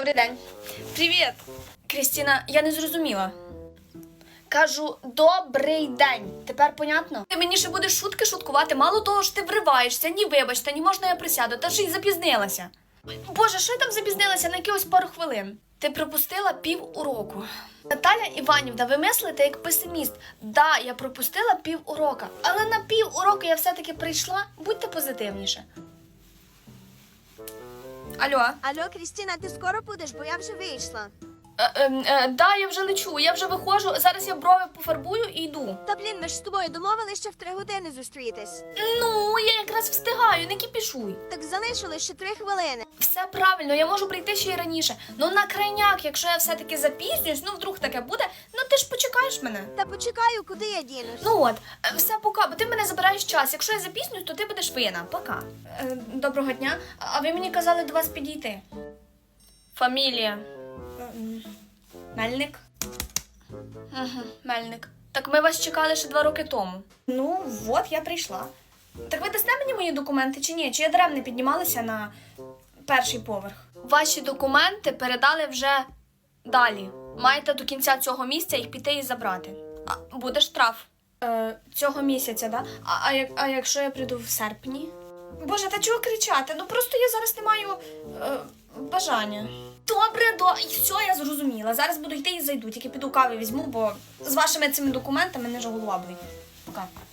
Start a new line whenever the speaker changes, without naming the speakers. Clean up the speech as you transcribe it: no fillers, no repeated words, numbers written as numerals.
Добрий день. Привіт. Крістіна, я не зрозуміла. Кажу, добрий день. Тепер понятно? Ти мені ще будеш шутки шуткувати, мало того, що ти вриваєшся, ні вибачте, ні можна я присяду, та ж і запізнилася. Боже, що я там запізнилася на якихось пару хвилин? Ти пропустила пів уроку. Наталя Іванівна, ви мислите як песиміст. Да, я пропустила пів урока, але на пів уроку я все-таки прийшла. Будьте позитивніше. Алло?
Алло, Крістіна, ти скоро будеш, бо я вже вийшла.
Да, я вже лечу, я вже виходжу, зараз я брови пофарбую і йду.
Та блін, ми ж з тобою домовились ще в 3 години зустрітись.
Ну, я якраз встигаю, не кіпішуй.
Так залишилось ще 3 хвилини.
Все правильно, я можу прийти ще й раніше. Ну на крайняк, якщо я все-таки запізнююсь, ну вдруг таке буде, ну ти ж почекаєш мене.
Та почекаю, куди я дінусь.
Ну от, все пока, бо ти мене забираєш час. Якщо я запізнююсь, то ти будеш винна. Пока. Доброго дня. А ви мені казали до вас підійти. Фамілія. Мельник? Угу, Мельник. Так ми вас чекали ще 2 роки тому. Ну, от я прийшла. Так ви дасте мені мої документи чи ні? Чи я даремно піднімалася на 1-й поверх? Ваші документи передали вже далі. Маєте до кінця цього місяця їх піти і забрати. А буде штраф. Цього місяця, да? А якщо я прийду в серпні? Боже, та чого кричати? Ну просто я зараз не маю бажання. Добре, і все, я зрозуміла. Зараз буду йти і зайду. Тільки піду кави візьму, бо з вашими цими документами не ж голова болить. Пока.